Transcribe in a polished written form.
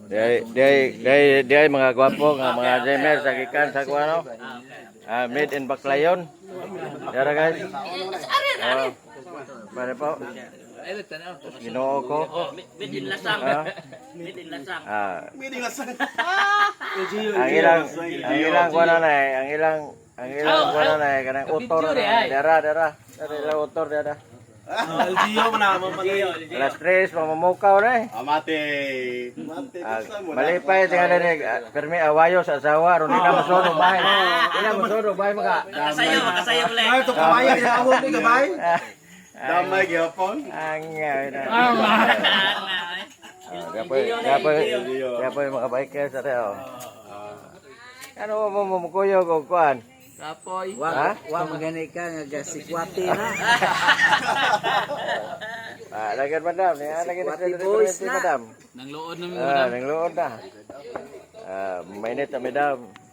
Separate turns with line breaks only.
Dia mga gwapo nga mga Jemer sa gikan sa kuano. Made in Baclayon. Dara guys. Oh. Bare po. Ginoo ko.
Made in Lasang. Made in Lasang.
Ang ilang kuano na ang ilang kuano na kanang autor na. Dara. Dara autor dara.
LGO na mo
Alas 3 mamukaw na eh.
Mate.
Malipay tingnan ni permi awayo sa asawa ron ina mosodo bahay. Ina mosodo bahay maka.
Makasayo ulit.
Ay to kabayan ni ako ni gabay. Damay gyapon.
Gapoy mga biker sa tao. Ano mo kuyo ko kuan?
Kapoy.
Ha?
Wa magani ka nga sikwati na.
Lagyan madam, lagyan
Boys na.
madam.
Nang luod na
Nangluod na. Mainit na madam.